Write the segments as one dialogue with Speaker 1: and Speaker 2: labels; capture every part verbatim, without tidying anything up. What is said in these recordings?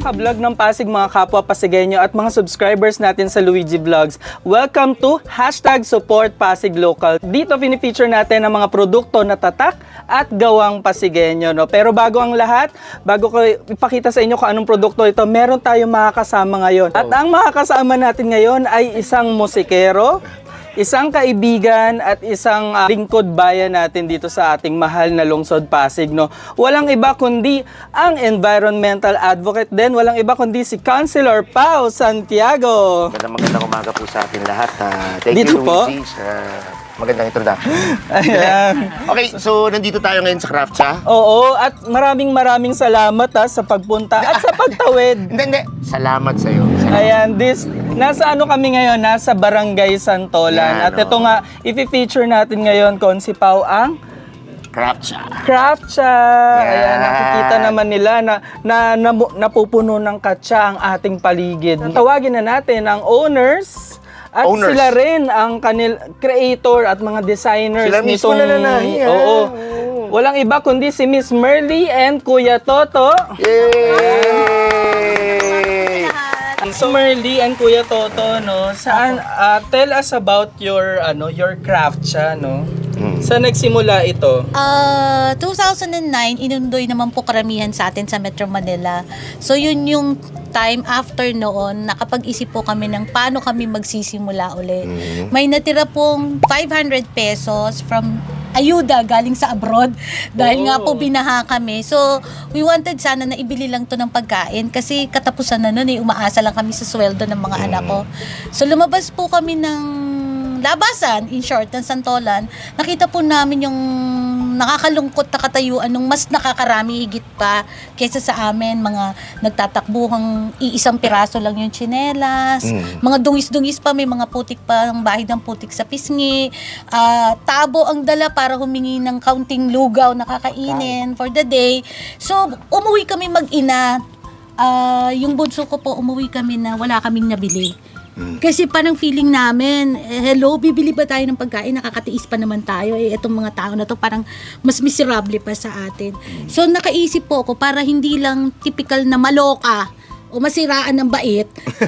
Speaker 1: ka-vlog ng Pasig, mga kapwa Pasigenyo at mga subscribers natin sa Luigi Vlogs. Welcome to Hashtag Support Pasig Local. Dito pinifeature natin ang mga produkto na tatak at gawang Pasigenyo. No? Pero bago ang lahat, bago ko ipakita sa inyo kung anong produkto ito, meron tayong makakasama ngayon. At ang makakasama natin ngayon ay isang musikero, isang kaibigan at isang uh, lingkod bayan natin dito sa ating mahal na lungsod Pasig, no. Walang iba kundi ang environmental advocate din, walang iba kundi si Councilor Pao Santiago.
Speaker 2: Magandang magandang umaga po sa atin lahat. Uh, thank
Speaker 1: Dito
Speaker 2: you,
Speaker 1: po?
Speaker 2: Luigi, sa magandang introduction.
Speaker 1: Ayan.
Speaker 2: Okay, so nandito tayo ngayon sa Craftcha.
Speaker 1: Oo, at maraming maraming salamat ha, sa pagpunta at sa pagtawid.
Speaker 2: Hindi, hindi. Salamat sa iyo.
Speaker 1: Ayan, this, nasa ano kami ngayon, nasa Barangay Santolan.
Speaker 2: Yan,
Speaker 1: At ito
Speaker 2: oh.
Speaker 1: nga, i-feature natin ngayon, Konsi Pao, ang
Speaker 2: Craftcha.
Speaker 1: Craftcha.
Speaker 2: Yeah.
Speaker 1: Ayan, nakikita naman nila na, na, na napupuno ng katsa ang ating paligid. Tawagin na natin ang owners at
Speaker 2: Owners.
Speaker 1: sila rin ang kanil creator at mga designers
Speaker 2: Sila mismo
Speaker 1: nitong
Speaker 2: nananahi, ah.
Speaker 1: Oo. Walang iba kundi si Miss Merly and Kuya Toto.
Speaker 2: Yay!
Speaker 1: So Merly and Kuya Toto, no, saan uh, tell us about your ano, your Craftcha, no?
Speaker 2: Hmm.
Speaker 1: Saan nagsimula ito?
Speaker 3: Uh, two thousand nine, inundoy naman po karamihan sa atin sa Metro Manila. So yun yung time after noon, nakapag-isip po kami ng paano kami magsisimula uli.
Speaker 2: Mm-hmm.
Speaker 3: May natira pong five hundred pesos from ayuda galing sa abroad dahil
Speaker 1: Oh.
Speaker 3: nga po binaha kami. So, we wanted sana na ibili lang to ng pagkain kasi katapusan na nun eh, umaasa lang kami sa sweldo ng mga
Speaker 2: Mm.
Speaker 3: anak ko. So, lumabas po kami ng labasan, in short, ng Santolan. Nakita po namin yung nakakalungkot na katayuan nung mas nakakarami higit pa kaysa sa amin, mga nagtatakbuhang iisang piraso lang yung tsinelas,
Speaker 2: Mm.
Speaker 3: mga dungis-dungis pa, may mga putik pa, ang bahid ng putik sa pisngi, ah, tabo ang dala para humingi ng kaunting lugaw na kakainin for the day. So, umuwi kami mag-ina. Ah, yung bunso ko po, umuwi kami na wala kaming nabili. Kasi parang feeling namin, eh, hello, bibili ba tayo ng pagkain? Nakakatiis pa naman tayo. Eh, itong mga tao na to parang mas miserable pa sa atin. So, nakaisip po ako para hindi lang typical na maloka o masiraan ng bait,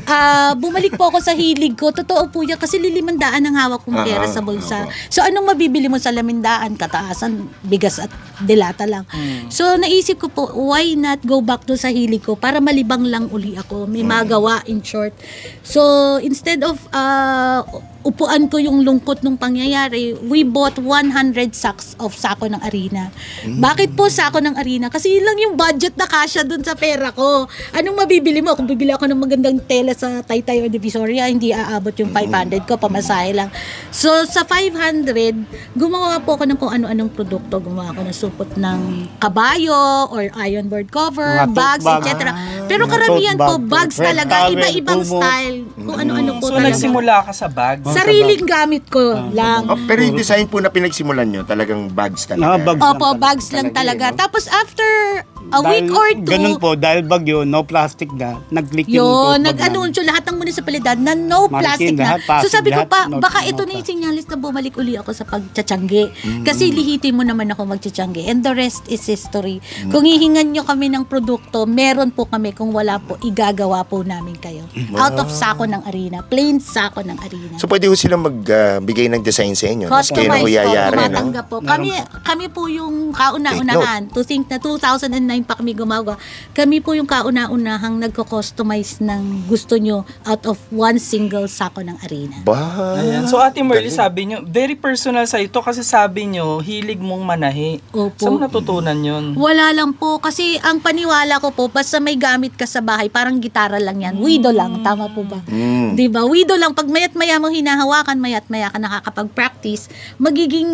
Speaker 3: ah bumalik po ako sa hilig ko. Totoo po yan kasi lilimandaan ang hawak kong pera sa bulsa. So, anong mabibili mo sa lamindaan? Kataasan, bigas at dilata lang. So, naisip ko po, why not go back to sa hilig ko para malibang lang uli ako. May magawa, in short. So, instead of uh, upuan ko yung lungkot nung pangyayari, we bought one hundred sacks of sako ng arena. Bakit po sako ng arena? Kasi yun lang yung budget na kasya dun sa pera ko. Anong mabibili mo? Kung bibili ako ng magandang tela sa Taytay or Divisoria, hindi aabot yung five hundred ko, pamasahe lang. So, sa five hundred, gumawa po ako ng kung ano-anong produkto. Gumawa ako ng supot ng kabayo or iron board cover,
Speaker 4: Mga tote
Speaker 3: bags,
Speaker 4: bag.
Speaker 3: et cetera. Pero
Speaker 4: Mga
Speaker 3: karamihan
Speaker 4: tote
Speaker 3: po,
Speaker 4: bag,
Speaker 3: bags
Speaker 4: red
Speaker 3: talaga,
Speaker 4: towel,
Speaker 3: iba-ibang
Speaker 4: tubo.
Speaker 3: style. Kung ano-ano po
Speaker 1: So
Speaker 3: talaga.
Speaker 1: nagsimula ka sa bag?
Speaker 3: Sariling gamit ko lang.
Speaker 2: Oh, pero yung design po na pinagsimulan nyo, talagang bags talaga.
Speaker 4: Ah, bags.
Speaker 3: Opo,
Speaker 4: lang
Speaker 3: bags lang
Speaker 2: Talaga
Speaker 3: talaga.
Speaker 2: eh, no?
Speaker 3: Tapos after a
Speaker 4: Dahil-
Speaker 3: week or two,
Speaker 4: Ganun po, dahil bagyo, no plastic na, nag-click yung
Speaker 3: yun,
Speaker 4: tote bag
Speaker 3: nag-anunsyo lahat ng munisipalidad na no
Speaker 4: Marking
Speaker 3: plastic na.
Speaker 4: lahat, plastic
Speaker 3: So sabi ko
Speaker 4: lahat,
Speaker 3: pa,
Speaker 4: no-
Speaker 3: baka
Speaker 4: no
Speaker 3: ito na yung
Speaker 4: plastic.
Speaker 3: sinyalis na bumalik uli ako sa pagtsatsyangge. Kasi lihitin mo naman ako magtsatsyangge. And the rest is history. Kung hihingan nyo kami ng produkto, meron po kami. Kung wala po, igagawa po namin kayo. Out of sako ng arena. Plain sako ng arena.
Speaker 2: So pwede ho silang magbigay ng design sa inyo. Tapos kayo na ho
Speaker 3: Customize po,
Speaker 2: yayari, no?
Speaker 3: tumatanggap po. Kami, kami po yung kauna-unahan. To think na two thousand nine pa kami gumagawa. Kami po yung kauna-unahang nagko-customize ng gusto nyo out of one single sako ng arena.
Speaker 2: Ba?
Speaker 1: Ayan. So Ate Merly, sabi nyo, very personal sa ito kasi sabi nyo, hilig mong manahi.
Speaker 3: Opo.
Speaker 1: Saan mo natutunan yun?
Speaker 3: Wala lang po. Kasi ang paniwala ko po, basta may gamit ka sa bahay, parang gitara lang yan. Wido lang. Tama po ba?
Speaker 2: Mm.
Speaker 3: Di ba? Wido lang. Pag mayat maya mo hinahawakan, mayat maya ka nakakapag-practice, magiging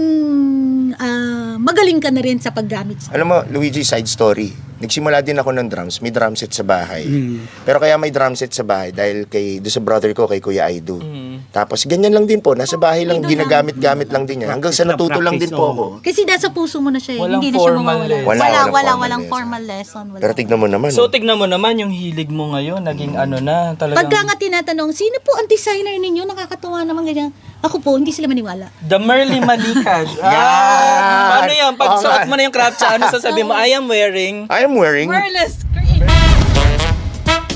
Speaker 3: ah, magaling ka na rin sa paggamit sa
Speaker 2: Alam mo, Luigi, side story. Nagsimula din ako ng drums. May drum set sa bahay.
Speaker 4: Mm.
Speaker 2: Pero kaya may drum set sa bahay dahil kay doon sa brother ko, kay Kuya Aido.
Speaker 1: Mm.
Speaker 2: Tapos ganyan lang din po. Nasa bahay lang,
Speaker 3: Aido lang.
Speaker 2: ginagamit-gamit lang din yan. Hanggang sa natuto lang din po ako.
Speaker 3: Kasi nasa puso mo na siya. eh.
Speaker 1: Walang
Speaker 3: Hindi na siya
Speaker 1: formal
Speaker 3: mawawala.
Speaker 1: lesson.
Speaker 2: Wala,
Speaker 3: Wala,
Speaker 2: walang
Speaker 3: wala,
Speaker 2: formal
Speaker 3: walang
Speaker 2: lesson.
Speaker 3: formal lesson. Wala.
Speaker 2: Pero tignan mo naman.
Speaker 1: So
Speaker 2: no?
Speaker 1: tignan mo naman yung hilig mo ngayon, naging ano na, talagang
Speaker 3: Pagka nga tinatanong, sino po ang designer ninyo? Nakakatuwa naman ganyan. Ako po, hindi sila maniwala.
Speaker 1: The Merly Malikad. Ah, ano yan? Pag
Speaker 2: Oo
Speaker 1: suot
Speaker 2: nga.
Speaker 1: mo na yung Craftcha, ano sasabihin mo? I am wearing.
Speaker 2: I am wearing...
Speaker 3: Merless, create.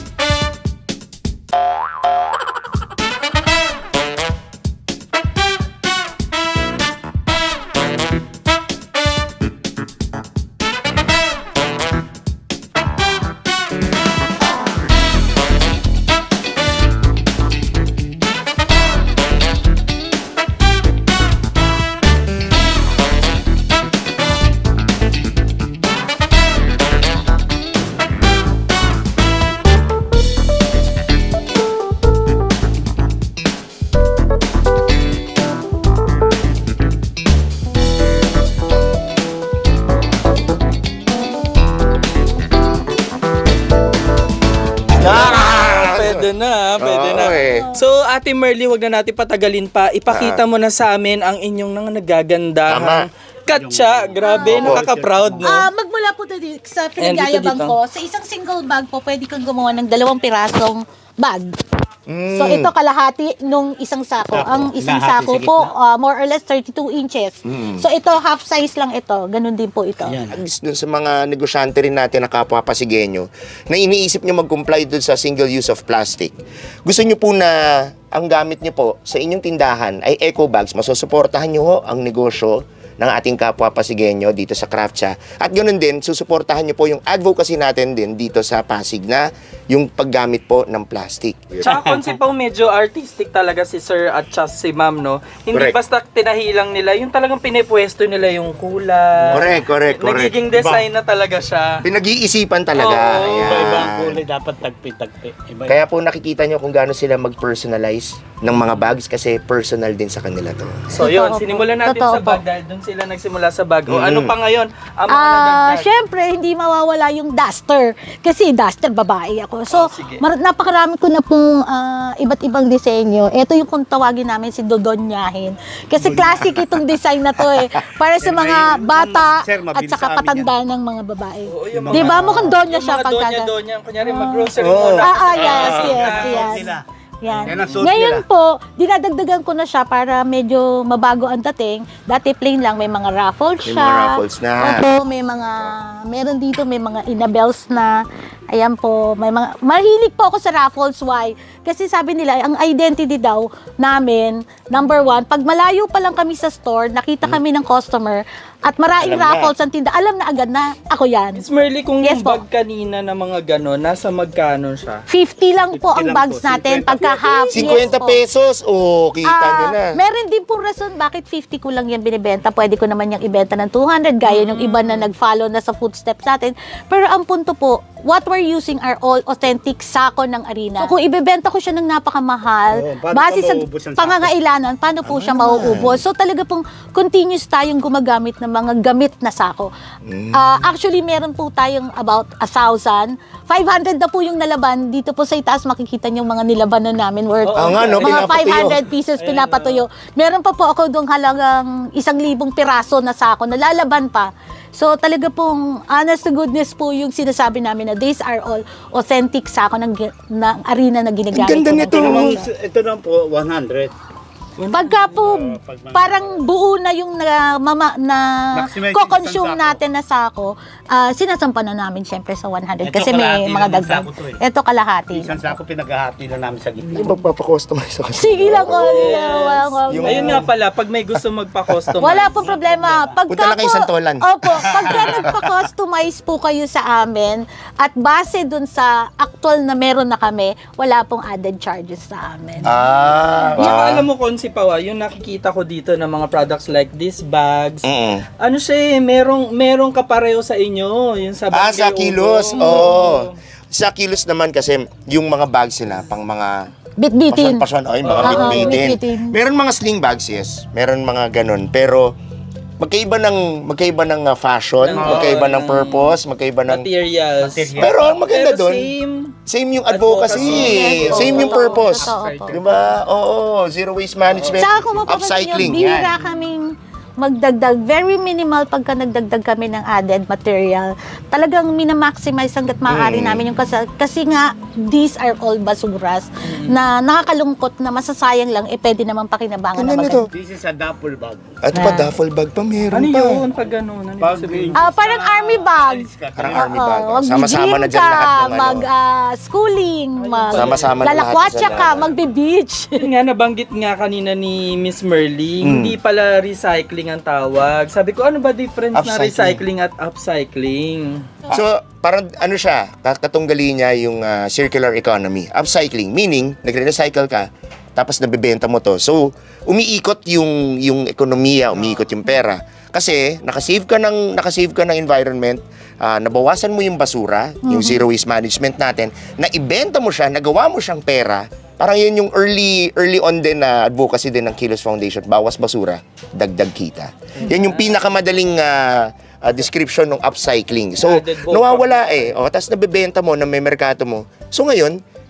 Speaker 1: Ate Merly, wag na natin patagalin pa. Ipakita mo na sa amin ang inyong nang nagagandahang katsa. Grabe,
Speaker 2: Oo.
Speaker 1: nakaka-proud, no?
Speaker 3: Ah, magmula po tayo sa pinagyayabang
Speaker 1: dito.
Speaker 3: ko, sa isang single bag po, pwede kang gumawa ng dalawang pirasong bag.
Speaker 2: Mm.
Speaker 3: So ito kalahati nung isang sako.
Speaker 4: Sako.
Speaker 3: Ang isang
Speaker 4: Kalahati
Speaker 3: sako
Speaker 4: sa
Speaker 3: po,
Speaker 4: gitna.
Speaker 3: ah, more or less thirty-two inches. So ito, half size lang ito. Ganun din po ito.
Speaker 4: Ayan.
Speaker 2: At least dun sa mga negosyante rin natin na kapwa Pasigenyo na iniisip nyo mag-comply dun sa single use of plastic. Gusto nyo po na ang gamit nyo po sa inyong tindahan ay eco bags. Masusuportahan nyo ho ang negosyo ng ating kapwa Pasigenyo dito sa Craftcha. At ganoon din, susuportahan nyo po yung advocacy natin din dito sa Pasig na yung paggamit po ng plastic.
Speaker 1: Tsaka konsi pa medyo artistic talaga si Sir at tsaka si Ma'am, no? Hindi
Speaker 2: Correct.
Speaker 1: basta tinahilang nila, yung talagang pinipwesto nila yung kulay.
Speaker 2: Correct, correct, correct.
Speaker 1: Nagiging design na talaga siya.
Speaker 2: Pinag-iisipan talaga.
Speaker 1: Oo.
Speaker 2: Ayan.
Speaker 4: Iba-iba ang kulay, dapat tagpi-tagpi. Iba
Speaker 2: Kaya po nakikita nyo kung gaano sila mag-personalize ng mga bags kasi personal din sa kanila to.
Speaker 1: So yun,
Speaker 3: Totoo po.
Speaker 1: sinimulan natin
Speaker 3: Totoo
Speaker 1: sa
Speaker 3: po.
Speaker 1: bag dahil doon sila nagsimula sa bag. O
Speaker 2: Mm.
Speaker 1: ano pa ngayon ang mga
Speaker 3: Ah,
Speaker 1: nadagdag?
Speaker 3: syempre hindi mawawala yung duster kasi duster babae ako. So,
Speaker 1: Oh, sige.
Speaker 3: mar- napakarami ko na pong ah, iba't ibang disenyo. Ito yung kung tawagin namin si Dodonyahin. Kasi classic itong design na to eh. Para sa mga bata
Speaker 4: Sir,
Speaker 3: at
Speaker 4: mabilis
Speaker 3: saka
Speaker 4: sa amin
Speaker 3: patanda ng mga babae.
Speaker 1: Oo, yung
Speaker 3: Di ba?
Speaker 1: mga-
Speaker 3: Mukhang donya
Speaker 1: yung
Speaker 3: siya
Speaker 1: mga
Speaker 3: pagka-
Speaker 1: donya-donya. Kunyari mag-grocery
Speaker 2: Oo.
Speaker 1: muna.
Speaker 3: Ah, ah, yes,
Speaker 1: Ah,
Speaker 3: yes,
Speaker 1: ah,
Speaker 3: yes.
Speaker 4: nila.
Speaker 3: Yan.
Speaker 4: Yan ang suot
Speaker 3: Ngayon
Speaker 4: nila.
Speaker 3: po, dinadagdagan ko na siya para medyo mabago ang dating. Dati plain lang, may mga raffles
Speaker 2: May
Speaker 3: siya.
Speaker 2: mga raffles na.
Speaker 3: Opo, may mga, meron dito, may mga inabels na. Ayan po, may mga, mahilig po ako sa raffles. Why? Kasi sabi nila, ang identity daw namin, number one, pag malayo pa lang kami sa store, nakita kami ng customer, at maraming
Speaker 2: Alam na.
Speaker 3: raffles ang tinda, alam na agad na ako yan.
Speaker 1: Miss Merly, kung
Speaker 3: Yes
Speaker 1: yung
Speaker 3: po.
Speaker 1: bag kanina na mga gano'n, nasa magkano siya?
Speaker 3: fifty lang po
Speaker 4: fifty
Speaker 3: ang
Speaker 4: lang
Speaker 3: bags
Speaker 4: po,
Speaker 3: natin,
Speaker 4: fifty.
Speaker 3: pagka half. yes
Speaker 2: fifty
Speaker 3: po.
Speaker 2: pesos, oh, kita nyo
Speaker 3: Ah,
Speaker 2: na.
Speaker 3: meron din pong rason bakit fifty ko lang yan binibenta. Pwede ko naman yung ibenta ng two hundred gaya yung iba na nag-follow na sa footsteps natin. Pero ang punto po, what we're using are all authentic sako ng arena. So kung ibebenta ko siya ng napakamahal,
Speaker 4: Oo, paano
Speaker 3: base
Speaker 4: pa
Speaker 3: sa
Speaker 4: mauubos ang sako?
Speaker 3: pangangailangan, paano po siya mauubos? So talaga pong continuous tayong gumagamit ng mga gamit na sako. Ah, actually, meron po tayong about a thousand. five hundred na po yung nalaban. Dito po sa itaas makikita niyo mga nilabanan namin worth
Speaker 2: Oo nga, no?
Speaker 3: mga
Speaker 2: Pinapatuyo.
Speaker 3: five hundred pieces pinapatuyo. Meron pa po ako doong halagang isang libong piraso na sako na lalaban pa. So talaga pong honest to goodness po yung sinasabi namin na these are all authentic sako ng, gi- ng arena na ginagamit.
Speaker 2: Ang ganda
Speaker 3: ko ng
Speaker 2: nito.
Speaker 4: Ito naman,
Speaker 3: Pilipinas.
Speaker 4: ito naman po, one hundred.
Speaker 3: Pagka po
Speaker 4: pag mga-
Speaker 3: parang buo na yung na, mama, na
Speaker 4: Maximize
Speaker 3: ko-consume
Speaker 4: isang sako.
Speaker 3: natin na sako, ah, sinasampa na namin syempre sa one hundred
Speaker 4: Ito,
Speaker 3: kasi may
Speaker 4: kalahati
Speaker 3: mga
Speaker 4: lang ng
Speaker 3: dagdag.
Speaker 4: sako to eh.
Speaker 3: Ito kalahati.
Speaker 4: Isang sako pinaghahati lang namin sa gitna.
Speaker 2: Yung magpapakustomize ako.
Speaker 3: Sige lang ko.
Speaker 2: Yung-
Speaker 1: Ayun nga pala, pag may gusto magpa-customize.
Speaker 3: Wala po problema. Pagka
Speaker 2: Punta lang kayo
Speaker 3: po-
Speaker 2: Santolan.
Speaker 3: Opo, pagka nagpa-customize po kayo sa amin at base dun sa actual na meron na kami, wala pong added charges sa amin.
Speaker 2: Ah,
Speaker 1: Tsaka
Speaker 2: ah.
Speaker 1: alam mo, Konsi Pawa, yung nakikita ko dito ng mga products like these bags,
Speaker 2: Mm-mm.
Speaker 1: ano siya eh, merong, merong kapareho sa inyo. Yung sa
Speaker 2: Ah,
Speaker 1: Barangay
Speaker 2: sa kilos.
Speaker 1: Ubo.
Speaker 2: Oo. Sa kilos naman kasi yung mga bags sila pang mga
Speaker 3: Bit-bitin.
Speaker 2: pasyon-pasyon, ay mga
Speaker 3: Oo,
Speaker 2: bitbitin.
Speaker 3: bitbitin.
Speaker 2: Meron mga sling bags, yes. Meron mga ganun. Pero magkaiba ng magkaiba ng uh, fashion,
Speaker 1: Oo,
Speaker 2: magkaiba ng
Speaker 1: ng
Speaker 2: purpose, magkaiba ng
Speaker 1: Materials.
Speaker 4: Materials.
Speaker 2: Pero ang maganda
Speaker 1: Pero
Speaker 2: doon,
Speaker 1: same.
Speaker 2: same yung advocacy,
Speaker 1: Advocacy.
Speaker 3: Yes,
Speaker 2: same
Speaker 3: oo,
Speaker 2: yung
Speaker 3: totoo,
Speaker 2: purpose.
Speaker 3: totoo po.
Speaker 2: 'Di ba? Oo, zero waste management,
Speaker 3: Tsaka kung mapapansin nyo,
Speaker 2: upcycling.
Speaker 3: bihira
Speaker 2: Yan.
Speaker 3: kaming magdagdag. Very minimal pagka nagdagdag kami ng added material. Talagang minamaximize hanggat maaari
Speaker 2: Mm.
Speaker 3: namin yung kasi, kasi nga, these are all basuras na nakakalungkot na masasayang lang, eh pwede naman pakinabangan
Speaker 2: Ano
Speaker 3: na
Speaker 2: nito?
Speaker 3: maganda.
Speaker 4: This is a duffel bag.
Speaker 2: At pa duffel bag pa meron
Speaker 1: Ano
Speaker 2: pa.
Speaker 1: yun? Pag gano'n? Ano
Speaker 4: Pag
Speaker 1: yung sabihin?
Speaker 3: Ah, parang army bag.
Speaker 2: Parang
Speaker 3: Oo,
Speaker 2: army bag.
Speaker 3: wag
Speaker 2: Sama-sama na
Speaker 3: gym
Speaker 2: dyan lahat ng ano.
Speaker 3: mag ah, schooling, mag
Speaker 2: Sama-sama na lahat
Speaker 3: lalakwatsa
Speaker 2: sa
Speaker 3: ka,
Speaker 2: lahat.
Speaker 3: magbe-beach.
Speaker 1: Yun nga, nabanggit nga kanina ni Miss Merly,
Speaker 2: Mm.
Speaker 1: hindi pala recycling ang tawag. Sabi ko, ano ba difference na
Speaker 2: Upcycling.
Speaker 1: recycling at upcycling?
Speaker 2: So, parang ano siya, katunggali niya yung ah, circular economy. Upcycling, meaning, nagre-recycle ka, tapos nabebenta mo to. So, umiikot yung yung ekonomiya, umiikot yung pera. Kasi nakasave ka ng nakasave ka ng environment, ah, nabawasan mo yung basura, yung zero waste management natin, na ibenta mo siya, nagawa mo siyang pera. Parang yun yung early early on din na advocacy din ng Kilos Foundation, bawas basura, dagdag kita. Yan yung pinakamadaling ah, ah, description ng upcycling. So,
Speaker 1: Added value.
Speaker 2: nawawala eh. O, tapos nabebenta mo na may merkato mo. So ngayon,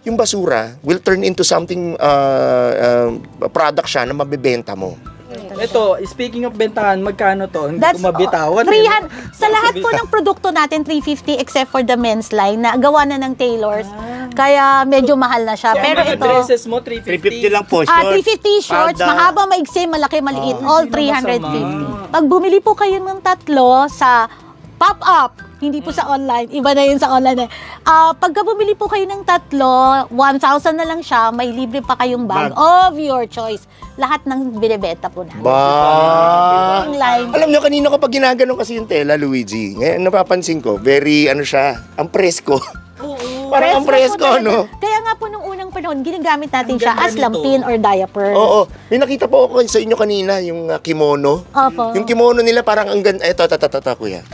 Speaker 2: yung basura will turn into something, uh, uh, product siya na mabibenta mo.
Speaker 1: Ito, speaking of bentahan, magkano to? Hindi
Speaker 3: That's
Speaker 1: ko mabitawan.
Speaker 3: three
Speaker 1: eh, no?
Speaker 3: hundred Sa lahat po ng produkto natin, three fifty except for the men's line na gawa na ng tailors. Kaya medyo mahal na siya.
Speaker 1: Yung
Speaker 3: Pero
Speaker 1: mga
Speaker 3: ito,
Speaker 1: dresses mo, three
Speaker 4: three
Speaker 1: fifty.
Speaker 4: fifty lang po,
Speaker 3: ah,
Speaker 4: short.
Speaker 3: three fifty shorts,
Speaker 4: Palda.
Speaker 3: mahaba, maigsi, malaki, maliit, all
Speaker 1: Hindi na
Speaker 3: three hundred fifty.
Speaker 1: masama.
Speaker 3: Pag bumili po kayo ng tatlo sa pop-up, hindi po sa online, iba na yun sa online. Eh. Ah, pagka bumili po kayo ng tatlo, one thousand na lang siya, may libre pa kayong bag,
Speaker 4: Bag.
Speaker 3: of your choice. Lahat ng binibenta po namin.
Speaker 2: Ba?
Speaker 3: Online.
Speaker 2: Alam nyo, kanina ko pag ginaganon kasi yung tela, Luigi, ngayon napapansin ko, very, ano siya, ang presko. Parang ang
Speaker 3: Presko
Speaker 2: presko,
Speaker 3: po talaga.
Speaker 2: no?
Speaker 3: Kaya nga po nung unang panahon, ginagamit natin
Speaker 1: Ang
Speaker 3: siya
Speaker 1: ganda
Speaker 3: as
Speaker 1: nito.
Speaker 3: lampin or diaper.
Speaker 2: Oo. May nakita po ako sa inyo kanina, yung uh, kimono.
Speaker 3: Opo.
Speaker 2: Yung kimono nila parang ang ganda. Ito, ito, ito, ito, kuya.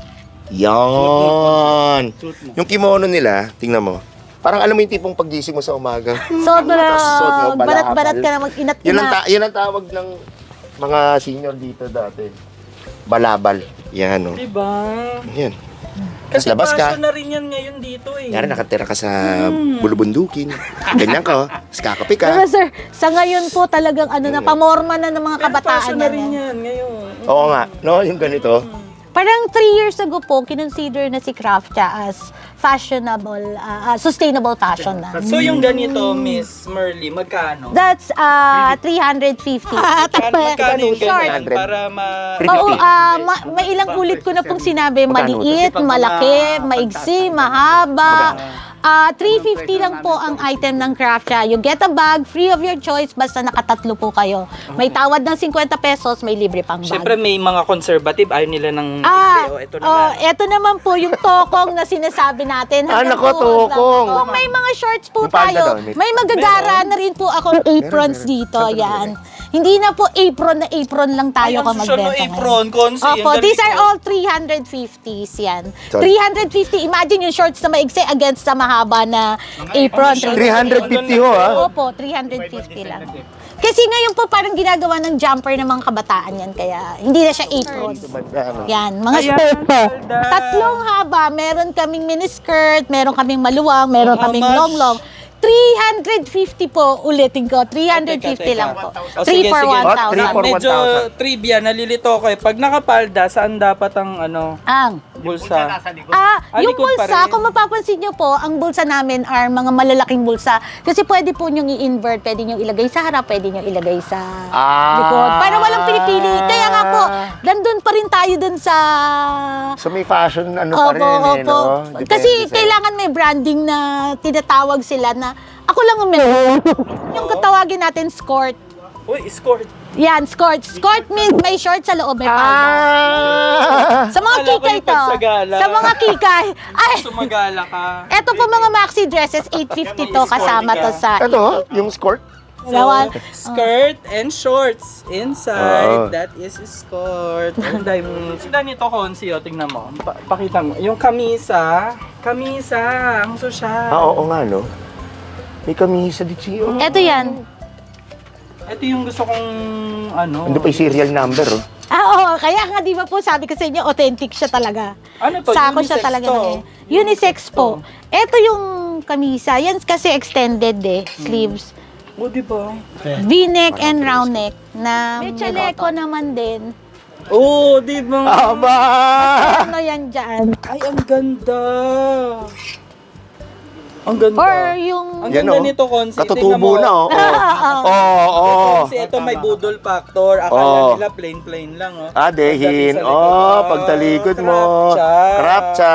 Speaker 2: Yan.
Speaker 4: Suit mo.
Speaker 2: Yung kimono nila, tingnan mo. Parang alam mo yung tipong paggising mo sa umaga.
Speaker 3: Sobra,
Speaker 2: Tapos suot mo,
Speaker 3: balat-balat
Speaker 2: balakal.
Speaker 3: ka na mag-inat
Speaker 2: Yun ang,
Speaker 3: na.
Speaker 2: ta- yun ang tawag ng mga senior dito dati. Balabal. Yan, no?
Speaker 1: Diba?
Speaker 2: Yan.
Speaker 1: Kasi
Speaker 2: labas ka.
Speaker 1: fashion na rin yan ngayon dito eh.
Speaker 2: Yari, nakatira ka sa bulubundukin. Ganyan ka, oh. Tapos kakape ka.
Speaker 3: Diba, sir, sa ngayon po talagang ano na, pamorma na ng mga
Speaker 1: Pero
Speaker 3: kabataan
Speaker 1: fashion na
Speaker 3: yan.
Speaker 1: rin
Speaker 3: eh.
Speaker 1: yan ngayon.
Speaker 2: Oo nga, no? Yung ganito.
Speaker 3: Parang three years ago po, kinonsider na si Craftcha as fashionable, uh, uh, sustainable fashion na.
Speaker 1: So yung ganito, Miss Merly, magkano?
Speaker 3: That's uh, three hundred fifty.
Speaker 1: Magkano yung
Speaker 3: Short.
Speaker 1: ganyan? Para ma...
Speaker 3: Oo, ah, ma- may ilang ulit ko na pong sinabi,
Speaker 2: Magkano?
Speaker 3: maliit, malaki, maigsi, mahaba. Ah, three fifty lang po ang item ng Craftcha. You get a bag, free of your choice, basta nakatatlo po kayo. May tawad ng fifty pesos, may libre pang bag.
Speaker 1: Siyempre may mga conservative, ayaw nila ng
Speaker 3: Ah,
Speaker 1: oh, ito
Speaker 3: oh,
Speaker 1: naman.
Speaker 3: eto naman po yung tokong na sinasabi natin.
Speaker 2: Ah,
Speaker 3: Hanggang
Speaker 2: nako,
Speaker 3: doon lang
Speaker 2: tokong.
Speaker 3: po. Kung may mga shorts po
Speaker 2: Yung palda
Speaker 3: tayo,
Speaker 2: daw, may-
Speaker 3: may magagara na rin po akong aprons
Speaker 2: meron.
Speaker 3: dito.
Speaker 2: Saan
Speaker 3: Yan. Hindi na po apron na apron lang
Speaker 1: Ay,
Speaker 3: tayo
Speaker 1: ang
Speaker 3: kung
Speaker 1: susunod
Speaker 3: magbenta
Speaker 1: apron, Consi, ang
Speaker 3: Opo, these are
Speaker 1: galing ko.
Speaker 3: all three hundred fifties yan.
Speaker 2: Sorry.
Speaker 3: three hundred fifty, imagine yung shorts na maigsi against sa mahaba na apron.
Speaker 2: three hundred fifty ho, ha?
Speaker 3: Opo, three hundred fifty lang. Kasi ngayon po parang ginagawa ng jumper ng mga kabataan yan, kaya hindi na siya apron.
Speaker 2: Ano?
Speaker 3: Yan, mga
Speaker 1: Ayan,
Speaker 3: skirt po.
Speaker 1: Zelda.
Speaker 3: Tatlong haba, meron kaming miniskirt, meron kaming maluwang, meron
Speaker 1: How
Speaker 3: kaming
Speaker 1: much?
Speaker 3: long-long. three hundred fifty po, ulitin ko, three hundred fifty lang po.
Speaker 1: O,
Speaker 3: three
Speaker 1: sige,
Speaker 3: for
Speaker 1: sige.
Speaker 3: one
Speaker 2: Oh, three
Speaker 3: thousand.
Speaker 2: for
Speaker 1: Medyo
Speaker 2: one thousand.
Speaker 1: trivia, nalilito ko eh. Pag nakapalda, saan dapat ang ano,
Speaker 3: Ang.
Speaker 1: bulsa?
Speaker 4: Nasa likod.
Speaker 3: Ah,
Speaker 1: Ah,
Speaker 3: yung
Speaker 1: likod pa
Speaker 3: bulsa,
Speaker 1: rin.
Speaker 3: kung mapapansin nyo po, ang bulsa namin are mga malalaking bulsa. Kasi pwede po nyong i-invert, pwede nyong ilagay sa harap, pwede nyong ilagay sa
Speaker 2: Ah.
Speaker 3: likod. Para walang pinipili. Kaya nga po, nandun pa rin tayo dun sa...
Speaker 2: So may fashion ano pa rin, eh, no? Depende
Speaker 3: Kasi
Speaker 2: sa-
Speaker 3: kailangan may branding na tinatawag sila na ako lang ang meron. Yung katawagin natin, skort.
Speaker 1: Uy, escort.
Speaker 3: Yan, skort. Skort means may short sa loob, may palda.
Speaker 2: Ah!
Speaker 3: Sa mga
Speaker 1: Akala ko
Speaker 3: kikay
Speaker 1: yung
Speaker 3: to.
Speaker 1: pagsagala.
Speaker 3: Sa mga kikay. Ay,
Speaker 1: Sumagala ka.
Speaker 3: eto po mga maxi dresses, eight fifty to kasama to sa...
Speaker 2: Ito, yung skirt.
Speaker 3: Dalawa.
Speaker 1: skirt and shorts inside.
Speaker 2: Oo.
Speaker 1: That is skirt. Ang dami. Sila nito, Konsi, o, tingnan mo. Pa- pakita mo. Yung kamisa. Kamisa. Ang susya.
Speaker 2: Ah, oo nga, no? May kamisa di siyo.
Speaker 3: Eto yan.
Speaker 1: Ito yung gusto kong, ano.
Speaker 2: Ano pa yung serial number, oh?
Speaker 3: Ah, oo. Kaya nga, di ba po, sabi ko sa inyo, authentic siya talaga.
Speaker 1: Ano to?
Speaker 3: Sako siya
Speaker 1: Unisex
Speaker 3: talaga.
Speaker 1: to?
Speaker 3: ng- Unisex po. Ito yung kamisa. Yan kasi extended eh, sleeves.
Speaker 1: O, diba?
Speaker 3: V-neck and round neck na may chaleco naman din.
Speaker 1: Oo, diba?
Speaker 2: Aba!
Speaker 3: Ano yan dyan?
Speaker 1: Ay, ang ganda. Ang ganda.
Speaker 3: Or yung...
Speaker 1: Ang
Speaker 2: Yan,
Speaker 1: ganda
Speaker 2: oh.
Speaker 1: nito, Konsi. Tingnan
Speaker 2: Katutubo
Speaker 1: mo.
Speaker 2: na, oh. Oo, oo. oo.
Speaker 1: Kasi ito may budol factor. Akala
Speaker 2: Oh.
Speaker 1: nila plain-plain lang, oh.
Speaker 2: Ah, dehin.
Speaker 1: Pagdating sa likod,
Speaker 2: Oh, pagtalikod mo.
Speaker 1: Krapcha.
Speaker 2: Krapcha.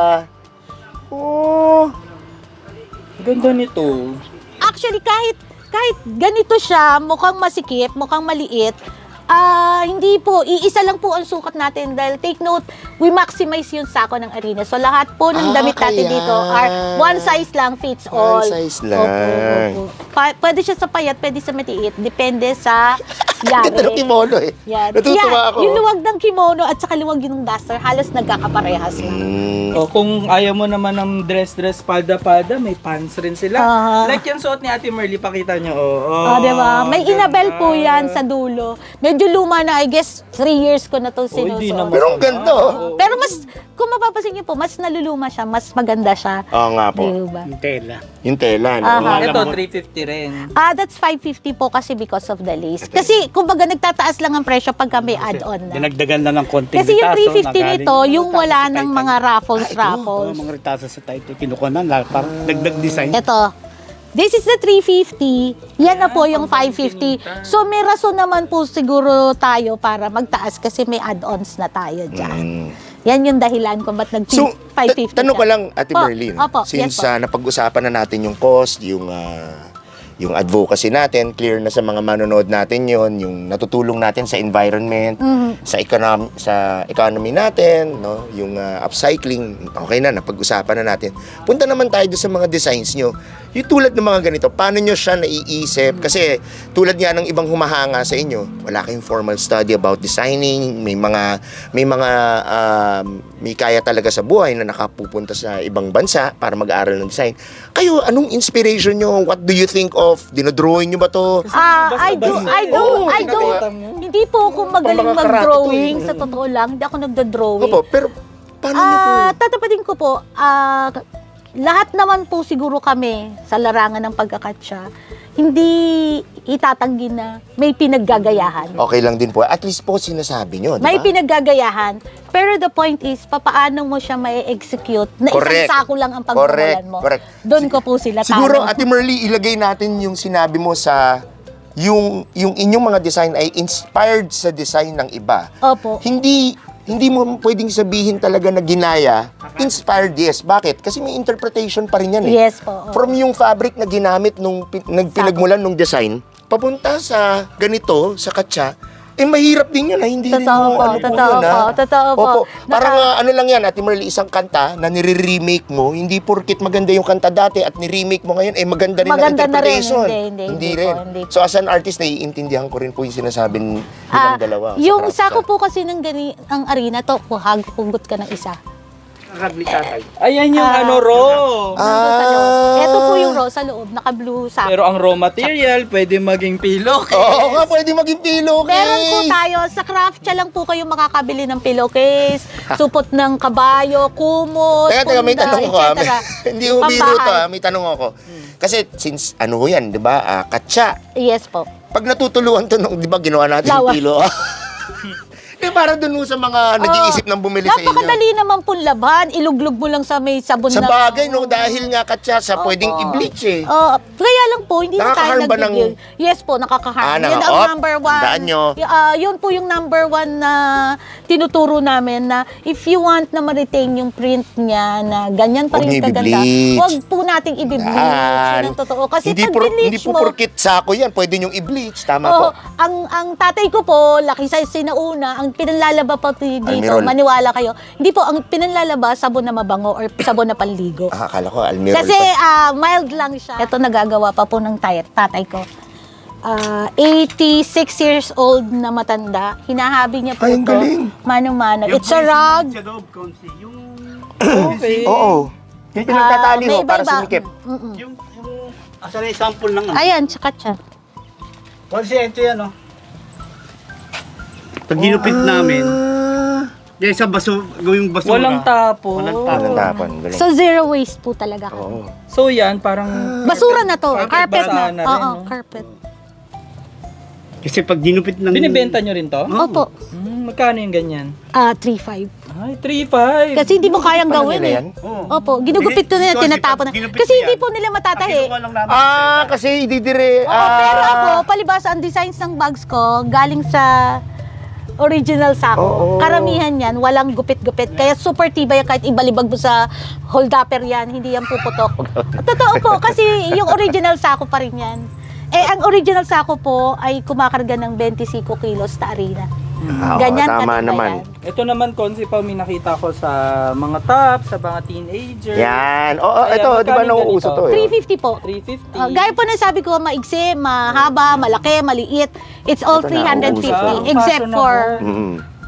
Speaker 2: Oh.
Speaker 1: Ganda nito.
Speaker 3: Actually, kahit kahit ganito siya, mukhang masikip, mukhang maliit, ah hindi po, iisa lang po ang sukat natin dahil take note, we maximize yung sako ng arena. So lahat po ng
Speaker 2: Ah,
Speaker 3: damit natin
Speaker 2: kaya.
Speaker 3: dito are one size lang fits all.
Speaker 2: One size
Speaker 3: Opo,
Speaker 2: lang.
Speaker 3: opo. Pa- pwede siya sa payat, pwede sa matiit, depende sa
Speaker 2: Ganda ng
Speaker 3: yari.
Speaker 2: kimono, eh.
Speaker 3: Yan.
Speaker 2: Natutuwa
Speaker 3: Yan,
Speaker 2: ako.
Speaker 3: yung luwag ng kimono at saka luwag yung duster, halos nagkakaparehas na.
Speaker 2: Mm.
Speaker 1: O kung ayaw mo naman ng dress-dress, palda-palda, may pants rin sila.
Speaker 3: Aha.
Speaker 1: Like yung suot ni Ate Merly, pakita nyo. Oh, oh,
Speaker 3: Ah, di ba? May
Speaker 1: ganda.
Speaker 3: inabel po yan sa dulo. Medyo luma na, I guess, three years ko na to
Speaker 1: Oh, hindi
Speaker 3: sinusuot.
Speaker 1: naman.
Speaker 2: Pero ang ganda, oh.
Speaker 3: Oo. Pero mas, kung mapapansin niyo po, mas naluluma siya, mas maganda siya.
Speaker 2: Oo nga po.
Speaker 3: Diba?
Speaker 4: Yung tela.
Speaker 2: Yung tela, no?
Speaker 3: Aha.
Speaker 4: Alam
Speaker 1: Ito,
Speaker 4: mo-
Speaker 1: three fifty rin.
Speaker 3: Ah, that's five fifty po kasi because of the lace. Kasi, kumbaga, nagtataas lang ang presyo pagka may add-on na.
Speaker 4: Dinagdagan na ng konting
Speaker 3: Kasi yung
Speaker 4: ritaso,
Speaker 3: three fifty
Speaker 4: nagaling-
Speaker 3: nito, yung
Speaker 4: ritaso
Speaker 3: wala
Speaker 4: sa
Speaker 3: ng
Speaker 4: Titan.
Speaker 3: mga raffles,
Speaker 4: Oo,
Speaker 3: raffles.
Speaker 4: mga ritaso sa Titan. Kinukuha na, na parang dagdag design.
Speaker 3: Ito. This is the three fifty. Yan na po yung five fifty. So, may rason naman po siguro tayo para magtaas kasi may add-ons na tayo dyan.
Speaker 2: Mm.
Speaker 3: Yan yung dahilan kung ba't nag
Speaker 2: So,
Speaker 3: five
Speaker 2: ta-
Speaker 3: fifty
Speaker 2: tanong ko
Speaker 3: siya.
Speaker 2: lang, Ate
Speaker 3: Po,
Speaker 2: Merlin,
Speaker 3: opo,
Speaker 2: since
Speaker 3: yes po.
Speaker 2: ah, napag-usapan na natin yung cost, yung ah, yung advocacy natin, clear na sa mga manonood natin yon, yung natutulong natin sa environment,
Speaker 3: Mhm.
Speaker 2: sa economy sa economy natin, no, yung ah, upcycling, okay na, napag-usapan na natin. Punta naman tayo doon sa mga designs nyo. Yung tulad ng mga ganito, paano nyo siya naiisip? Kasi tulad nga ng ibang humahanga sa inyo, wala kayong formal study about designing, may mga may mga um, may kaya talaga sa buhay na nakapupunta sa ibang bansa para mag-aaral ng design. Kayo, anong inspiration nyo? What do you think of? Dinodrawing nyo ba to?
Speaker 3: Ah, I do, I do,
Speaker 2: Oo,
Speaker 3: I do.
Speaker 2: nakita
Speaker 3: Hindi po ako magaling
Speaker 2: Pang mga karate
Speaker 3: mag-drawing.
Speaker 2: to eh.
Speaker 3: Sa totoo lang, hindi ako nagda-drawing.
Speaker 2: Opo, pero paano nyo po?
Speaker 3: Ah, tatapatin ko po, ah, lahat naman po siguro kami sa larangan ng pagkakatsa, hindi itatanggi na may pinaggagayahan.
Speaker 2: Okay lang din po. At least po sinasabi nyo, di
Speaker 3: May
Speaker 2: ba?
Speaker 3: pinaggagayahan, pero the point is, papaano mo siya may execute na
Speaker 2: Correct.
Speaker 3: isang sako lang ang
Speaker 2: Correct,
Speaker 3: pagmumulan mo.
Speaker 2: correct.
Speaker 3: Doon ko po sila
Speaker 2: Siguro,
Speaker 3: tanong.
Speaker 2: Ate Merly, ilagay natin yung sinabi mo sa yung yung inyong mga design ay inspired sa design ng iba.
Speaker 3: Opo.
Speaker 2: Hindi hindi mo pwedeng sabihin talaga na ginaya. Inspired, yes. Bakit? Kasi may interpretation pa rin yan eh.
Speaker 3: Yes po. opo.
Speaker 2: From yung fabric na ginamit nung pi- nagpinagmulan nung design, papunta sa ganito, sa katsa, eh mahirap din yun ha. Hindi rin
Speaker 3: Totoo
Speaker 2: mo
Speaker 3: po,
Speaker 2: ano po
Speaker 3: totoo
Speaker 2: yun ha.
Speaker 3: po, totoo po.
Speaker 2: Opo. Parang
Speaker 3: Naka-
Speaker 2: ah, ano lang yan, Ate Merly, isang kanta na nire-remake mo, hindi porkit maganda yung kanta dati at ni-remake mo ngayon, eh maganda rin
Speaker 3: Maganda
Speaker 2: ang
Speaker 3: na rin.
Speaker 2: interpretation.
Speaker 3: Hindi, hindi, hindi po,
Speaker 2: rin.
Speaker 3: hindi po.
Speaker 2: So as an artist, naiintindihan ko rin po yung sinasabi nilang
Speaker 3: Ah,
Speaker 2: dalawa. sa
Speaker 3: yung
Speaker 2: craft
Speaker 3: sako
Speaker 2: shop.
Speaker 3: po kasi ng gani, ang arena to, kuhag, hugot ka ng isa.
Speaker 4: Ragli tatay.
Speaker 1: Ayan yung
Speaker 3: Ah.
Speaker 1: ano, raw.
Speaker 3: Nandun sa loob.
Speaker 2: Ah.
Speaker 3: Ito po yung raw sa loob, naka-blue sako.
Speaker 1: Pero ang raw material, pwede maging pillowcase.
Speaker 2: Oo nga, pwede maging pillowcase.
Speaker 3: Meron po tayo, sa craft siya lang po kayo makakabili ng pillowcase, supot ng kabayo, kumot,
Speaker 2: Teka, teka, may
Speaker 3: punda,
Speaker 2: tanong ko ah.
Speaker 3: et cetera.
Speaker 2: Hindi ko biro to
Speaker 3: Pambahay.
Speaker 2: ah. May tanong ako. Kasi since ano ho yan, di ba? Ah, katsa.
Speaker 3: Yes po.
Speaker 2: Pag natutuluan to nung, di ba, ginawa natin
Speaker 3: Lawa.
Speaker 2: yung pilo. Eh, para dun ho sa mga nag-iisip ng bumili sa inyo.
Speaker 3: Napakadali naman pong laban. Iluglog mo lang sa may sabon
Speaker 2: Sa
Speaker 3: na.
Speaker 2: bagay, no, dahil nga katsa, sa pwedeng i-bleach eh.
Speaker 3: Oh, kaya lang po, hindi na tayo
Speaker 2: Nakaka-harm ba ng-
Speaker 3: nag Yes po, nakaka-harm.
Speaker 2: Ah,
Speaker 3: yun
Speaker 2: naka-
Speaker 3: ang
Speaker 2: op,
Speaker 3: number one.
Speaker 2: tandaan nyo.
Speaker 3: Y- ah, yun po yung number one na tinuturo namin na if you want na ma-retain yung print niya na ganyan pa
Speaker 2: Huwag
Speaker 3: rin
Speaker 2: niyo
Speaker 3: kaganda,
Speaker 2: i-bleach.
Speaker 3: huwag po nating i-bleach.
Speaker 2: Yan.
Speaker 3: Yun ang totoo. Kasi
Speaker 2: hindi,
Speaker 3: pag
Speaker 2: por,
Speaker 3: bleach
Speaker 2: hindi po
Speaker 3: mo,
Speaker 2: porkit sako yan, pwede nyong i-bleach. Tama
Speaker 3: Oo,
Speaker 2: po.
Speaker 3: ang ang tatay ko po, laki sa sinauna, ang pinanlalaba pa po dito,
Speaker 2: Almirol.
Speaker 3: maniwala kayo. Hindi po, ang pinanlalaba, sabon na mabango or sabon na panligo.
Speaker 2: Ah, akala ko, almirol
Speaker 3: Kasi
Speaker 2: pa.
Speaker 3: ah, mild lang siya. Ito nagagawa pa po ng tay- tatay ko. Ah, eighty-six years old na matanda. Hinahabi niya po
Speaker 2: Ay, ang
Speaker 3: ito.
Speaker 2: galing.
Speaker 3: Mano-mano.
Speaker 4: Yung
Speaker 3: It's a rug.
Speaker 4: Sa loob, konsi. Yung,
Speaker 1: Okay.
Speaker 2: Oo. Yung
Speaker 3: Ah,
Speaker 2: pinagtatali
Speaker 3: may
Speaker 2: ho, para
Speaker 3: iba-iba.
Speaker 2: sumikip.
Speaker 3: Mm-mm.
Speaker 4: yung, yung, asa na yung sample ng ano.
Speaker 3: Ayan, tsaka siya.
Speaker 4: Konsi, ito yan, oh. Pag ginupit namin, yan sa baso, gawing basura.
Speaker 1: Walang tapo.
Speaker 4: Walang tapo.
Speaker 2: Walang tapon. Galing.
Speaker 3: So, zero waste po talaga.
Speaker 2: Oo.
Speaker 1: So yan, parang...
Speaker 3: Basura na to.
Speaker 1: Carpet
Speaker 3: Carpet
Speaker 1: basa
Speaker 3: na.
Speaker 1: na rin,
Speaker 3: Oo,
Speaker 1: no?
Speaker 3: carpet.
Speaker 4: Kasi pag ginupit ng...
Speaker 1: Binibenta nyo rin to?
Speaker 3: Opo.
Speaker 1: Hmm, magkano yung ganyan?
Speaker 3: Ah, three five.
Speaker 1: Ay, three five.
Speaker 3: Kasi hindi mo kayang
Speaker 2: Paano
Speaker 3: gawin
Speaker 2: nila
Speaker 3: eh.
Speaker 2: yan?
Speaker 4: Oo.
Speaker 3: Opo, ginugupit ko na,
Speaker 4: Kasi
Speaker 3: tinatapon na.
Speaker 4: pag ginupit
Speaker 3: Kasi
Speaker 4: yan,
Speaker 3: hindi po nila
Speaker 4: ang
Speaker 3: matatahi.
Speaker 4: kinuha lang namin
Speaker 2: Ah,
Speaker 4: sa-
Speaker 2: kasi ididire.
Speaker 3: Oo,
Speaker 2: ah,
Speaker 3: pero ako, palibasa, ang designs ng bags ko, galing sa original sako.
Speaker 2: Oo.
Speaker 3: Karamihan yan, walang gupit-gupit. Kaya super tibay yan, kahit ibalibag mo sa hold-upper yan, hindi yan puputok. Totoo po, kasi yung original sako pa rin yan. Eh, ang original sako po ay kumakarga ng twenty-five kilos na arena.
Speaker 2: ah, oo,
Speaker 3: Ganyan
Speaker 2: tama
Speaker 3: katibay
Speaker 2: naman.
Speaker 3: yan.
Speaker 1: Ito naman, Konsi, pa may nakita ko sa mga top, sa mga teenager.
Speaker 2: Yan. Oo,
Speaker 1: Ayan,
Speaker 2: ito, di ba
Speaker 1: magkano
Speaker 2: nauuso
Speaker 1: ganito?
Speaker 2: to eh?
Speaker 3: three fifty po.
Speaker 1: three fifty.
Speaker 3: Uh, gaya po na sabi ko, maigsi, mahaba, malaki, maliit. It's all
Speaker 2: Ito na,
Speaker 3: three fifty.
Speaker 2: uso to.
Speaker 3: Except
Speaker 1: Fashion na
Speaker 3: for
Speaker 2: Mm.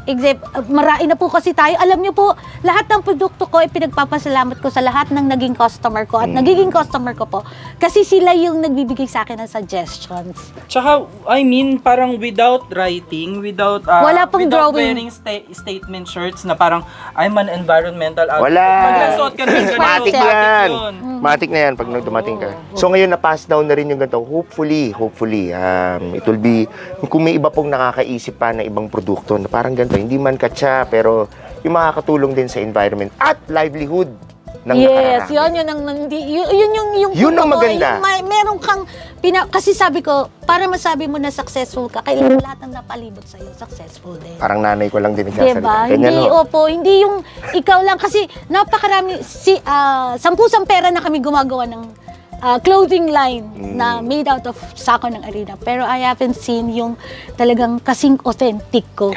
Speaker 3: except, uh, marami na po kasi tayo. Alam niyo po, lahat ng produkto ko, ay pinagpapasalamat ko sa lahat ng naging customer ko at
Speaker 2: Mm.
Speaker 3: nagiging customer ko po. Kasi sila yung nagbibigay sa akin ng suggestions.
Speaker 1: Tsaka, I mean, parang without writing, without, uh,
Speaker 3: Wala pong
Speaker 1: without
Speaker 3: drawing.
Speaker 1: wearing sta- statement shirts na parang, I'm an environmental advocate.
Speaker 2: Wala.
Speaker 1: Pag nasuot ka ng ganito,
Speaker 2: Matik
Speaker 3: Matik
Speaker 2: yan.
Speaker 1: yun.
Speaker 2: Matik na yan pag nung dumating ka. So ngayon na-pass down na rin yung ganito. Hopefully, hopefully, um, it will be, kung may iba pong nakakaisip pa na ibang produkto na parang ganito, hindi man katsa, pero yung makakatulong din sa environment at livelihood ng
Speaker 3: Yes,
Speaker 2: nakararami.
Speaker 3: yun, yun ang, nandi, yun, yun yung, yung
Speaker 2: Yun ang
Speaker 3: punto ko,
Speaker 2: maganda.
Speaker 3: Yung may, meron kang, pina, kasi sabi ko, para masabi mo na successful ka, kailangan lahat ng napalibot sa'yo, successful din.
Speaker 2: Parang nanay ko lang din nagsasalita.
Speaker 3: Diba?
Speaker 2: Ganyan,
Speaker 3: Hindi,
Speaker 2: no?
Speaker 3: opo, hindi yung ikaw lang. Kasi napakarami, si, ah, sampusang pera na kami gumagawa ng ah, clothing line
Speaker 2: Mm.
Speaker 3: na made out of sako ng arena. Pero I haven't seen yung talagang kasing authentic ko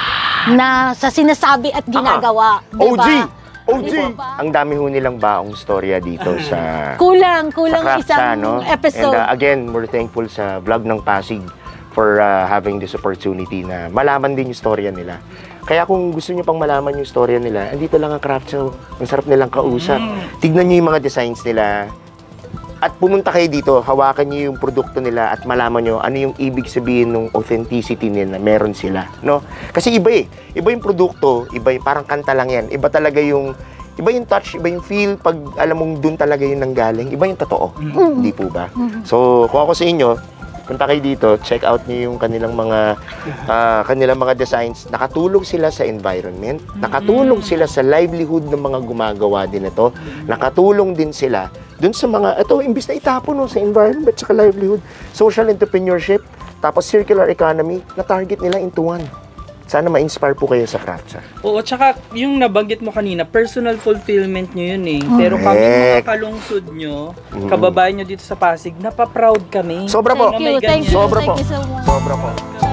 Speaker 3: na sa sinasabi at ginagawa.
Speaker 2: O G!
Speaker 3: Diba?
Speaker 2: O G!
Speaker 3: Di ba?
Speaker 2: Ang dami ho nilang baong storya dito sa...
Speaker 3: Kulang,
Speaker 2: sa
Speaker 3: kulang
Speaker 2: craft
Speaker 3: isang
Speaker 2: siya, no?
Speaker 3: episode.
Speaker 2: And uh, again, we're thankful sa vlog ng Pasig for uh, having this opportunity na malaman din yung storya nila. Kaya kung gusto niyo pang malaman yung storya nila, andito lang ang craft show. Ang sarap nilang kausap. Tignan niyo yung mga designs nila. At pumunta kayo dito, hawakan niyo yung produkto nila at malaman niyo ano yung ibig sabihin ng authenticity nila na meron sila, no? Kasi iba eh. Iba yung produkto, iba yung parang kanta lang yan. Iba talaga yung iba yung touch, iba yung feel pag alam mong dun talaga yung nanggaling. Iba yung totoo. Hindi po ba? So, kung ako sa inyo, punta kayo dito, check out niyo yung kanilang mga ah, kanilang mga designs. Nakatulong sila sa environment, nakatulong sila sa livelihood ng mga gumagawa din ito. Nakatulong din sila dun sa mga ito imbis na itapon no, sa environment at livelihood, social entrepreneurship, tapos circular economy, na target nila into one. Sana ma-inspire po kayo sa craft.
Speaker 1: Oo, tsaka yung nabanggit mo kanina, personal fulfillment nyo yun eh. Pero kami mga
Speaker 2: Correct.
Speaker 1: kalungsod nyo, kababayan nyo dito sa Pasig, napaproud kami.
Speaker 2: Sobra po.
Speaker 1: Na
Speaker 3: Thank
Speaker 1: may
Speaker 3: you, thank you,
Speaker 1: ganyan.
Speaker 2: Sobra
Speaker 3: thank
Speaker 2: po.
Speaker 3: you so much.
Speaker 2: Sobra po.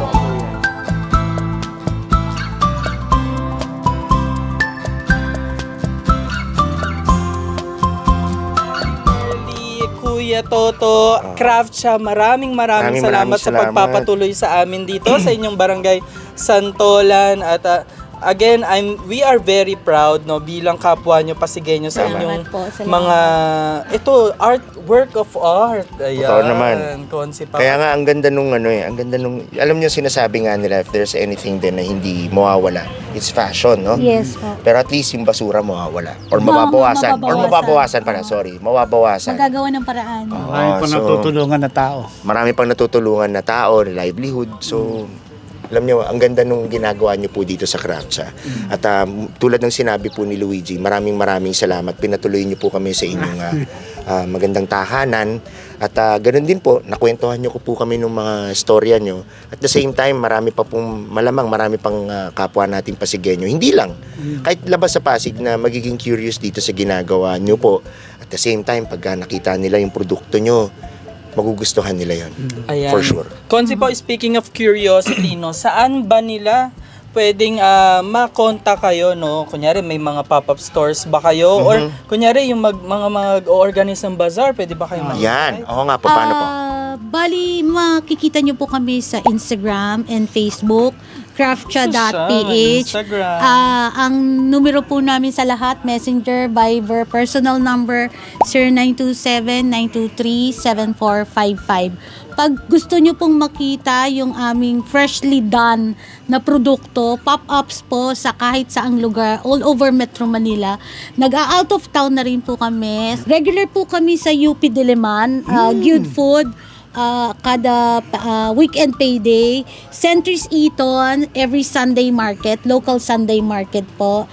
Speaker 1: Early, Kuya Toto, craft siya. Maraming maraming,
Speaker 2: Maraming
Speaker 1: salamat
Speaker 2: maraming
Speaker 1: sa
Speaker 2: salamat.
Speaker 1: pagpapatuloy sa amin dito sa inyong barangay Santolan at ah, again, I'm we are very proud no bilang kapwa nyo Pasigueño sa
Speaker 2: Tama.
Speaker 1: inyong
Speaker 3: Salamat po, salamat.
Speaker 1: mga ito art work of art. Ayan.
Speaker 2: Totoo naman.
Speaker 1: Concept
Speaker 2: Kaya nga ang ganda nung ano eh, ang ganda nung alam niyo sinasabi nga nila if there's anything din na hindi mawawala, it's fashion, no?
Speaker 3: Yes po.
Speaker 2: Pero at least yung basura mawawala or
Speaker 3: Ma-
Speaker 2: mababawasan or
Speaker 3: mababawasan.
Speaker 2: mababawasan pala, sorry, mababawasan.
Speaker 3: Magagawa ng paraan.
Speaker 2: Oo,
Speaker 4: Marami pa
Speaker 2: so,
Speaker 4: natutulungan na tao.
Speaker 2: marami pang natutulungan na tao, livelihood. So, alam niyo, ang ganda nung ginagawa niyo po dito sa Craftsa. At um, tulad ng sinabi po ni Luigi, maraming maraming salamat. Pinatuloy niyo po kami sa inyong ah, ah, magandang tahanan. At ah, ganun din po, nakwentuhan niyo ko po kami ng mga storya niyo. At the same time, marami pa pong, malamang marami pang ah, kapwa nating Pasigueño. Hindi lang, kahit labas sa Pasig na magiging curious dito sa ginagawa niyo po. At the same time, pagka nakita nila yung produkto niyo, magugustuhan nila yon.
Speaker 1: Ayan.
Speaker 2: For sure.
Speaker 1: Konsi po, speaking of curiosity, no, saan ba nila pwedeng ah, makontak kayo, no? Kunyari, may mga pop-up stores ba kayo? Or kunyari, yung mag, mga mag-organize ng bazaar, pwede ba kayo mag-
Speaker 2: Yan. Oo nga po, paano po?
Speaker 3: Ah, bali, makikita nyo po kami sa Instagram and Facebook, craftcha dot p h.
Speaker 1: Instagram.
Speaker 3: Ah, ang numero po namin sa lahat, Messenger, Viber, personal number zero nine two seven, nine two three, seven four five five. Pag gusto nyo pong makita yung aming freshly done na produkto, pop-ups po sa kahit saang lugar, all over Metro Manila. Nag-out of town na rin po kami. Regular po kami sa U P Diliman, uh, Good Food, uh, kada uh, weekend payday. Centris Eaton, every Sunday market, local Sunday market po.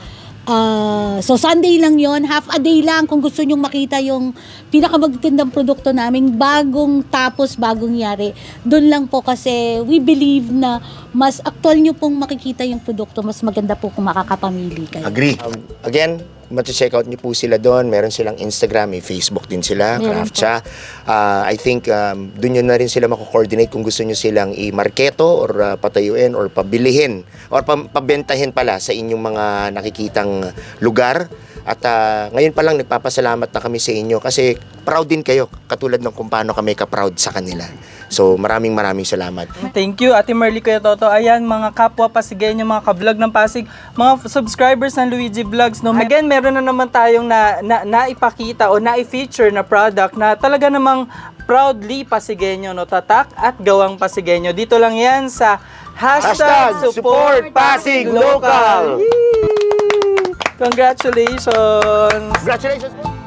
Speaker 3: Uh, so Sunday lang yon, half a day lang kung gusto nyong makita yung pinakamagandang produkto namin, bagong tapos bagong yari. Doon lang po kasi we believe na mas actual nyo pong makikita yung produkto, mas maganda po kung makakapamili kayo.
Speaker 2: Agree. Um, again, mati-check out niyo po sila doon. Meron silang Instagram, may Facebook din sila,
Speaker 3: Meron
Speaker 2: Craftcha. Uh, I think um, doon nyo na rin sila mako-coordinate kung gusto nyo silang i-marketo or uh, patayuin or pabilihin or pa- pabentahin pala sa inyong mga nakikitang lugar. At uh, ngayon pa lang nagpapasalamat na kami sa inyo kasi proud din kayo katulad ng kung paano kami ka-proud sa kanila. So maraming maraming salamat.
Speaker 1: Thank you, Ate Marley, Kuya Toto. Ayan, mga kapwa Pasigueño, mga ka-vlog ng Pasig, mga subscribers ng Luigi Vlogs. No? Again, meron na naman tayong na, na, naipakita o na-feature na product na talaga namang proudly Pasigueño, no? Tatak at gawang Pasigueño. Dito lang yan sa hashtag,
Speaker 2: Hashtag
Speaker 1: support Pasig Local. Yee! Congratulations!
Speaker 2: Congratulations po!